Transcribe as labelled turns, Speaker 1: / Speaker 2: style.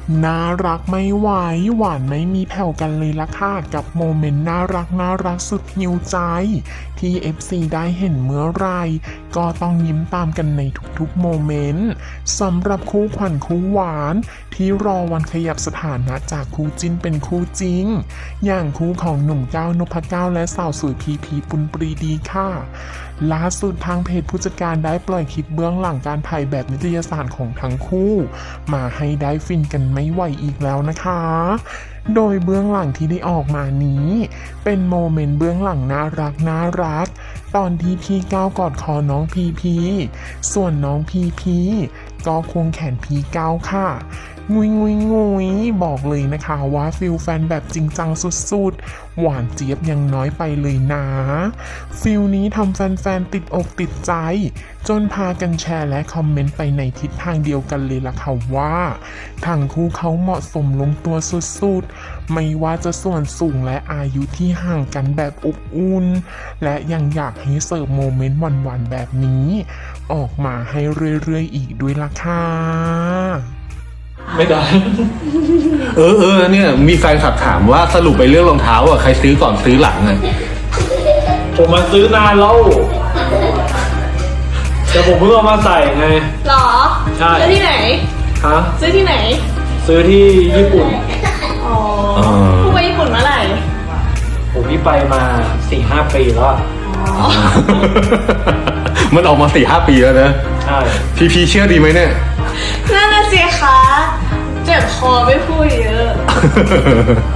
Speaker 1: น่ารักไม่ไหวหวานไม่มีแผ่วกันเลยล่ะค่ะกับโมเมนต์น่ารักสุดหิวใจที่ FC ได้เห็นเมื่อไหรก็ต้องยิ้มตามกันในทุกๆโมเมนต์สำหรับคู่ขวัญคู่หวานที่รอวันขยับสถานะจากคู่จิ้นเป็นคู่จริงอย่างคู่ของหนุ่มก้าวนพเก้าและสาวสวยพีปุณปรีดีค่ะล่าสุดทางเพจผู้จัดการได้ปล่อยคลิปเบื้องหลังการถ่ายแบบนิตยสารของทั้งคู่มาให้ได้ฟินกันไม่ไหวอีกแล้วนะคะโดยเบื้องหลังที่ได้ออกมานี้เป็นโมเมนต์เบื้องหลังน่ารักตอนที่พี่ก้าวกอดคอน้องพีส่วนน้องพีก็ควงแขนพี่ก้าวค่ะงุยบอกเลยนะคะว่าฟิลแฟนแบบจริงจังสุดๆหวานเจี๊ยบยังน้อยไปเลยนะฟิลนี้ทำแฟนๆติดอกติดใจจนพากันแชร์และคอมเมนต์ไปในทิศทางเดียวกันเลยล่ะค่ะว่าทั้งคู่เขาเหมาะสมลงตัวสุดๆไม่ว่าจะส่วนสูงและอายุที่ห่างกันแบบอบอุ่นและยังอยากให้เสิร์ฟโมเมนต์หวานๆแบบนี้ออกมาให้เรื่อยๆอีกด้วยล่ะค่ะ
Speaker 2: ไม่ได้ เนี่ยมีแฟนคลับถามว่าสรุปไปเรื่องรองเท้าอ่ะใครซื้อก่อนซื้อหลังอ่ะ
Speaker 3: ผมมาซื้อนานแล้วแต่ผมเพิ่งเอามาใส่ไง
Speaker 4: หรอ
Speaker 3: ใช่
Speaker 4: ซื้อที่ไหน
Speaker 3: ฮะ
Speaker 4: ซื้อที่ไหน
Speaker 3: ซื้อที่ญี่ปุ่น
Speaker 4: อ๋อเพิ่งไปญี่ปุ่นเมื่อไหร่
Speaker 3: ผมนี่ไปมา 4-5 ปีแล้วอะ
Speaker 4: อ๋อ
Speaker 2: มันออกมา4-5 ปีแล้วนะ
Speaker 3: ใช่
Speaker 2: พีเชื่อดีไหมเนี่ย
Speaker 4: นั่นน่ะสิคะ เจ็บคอไม่พูดเยอะ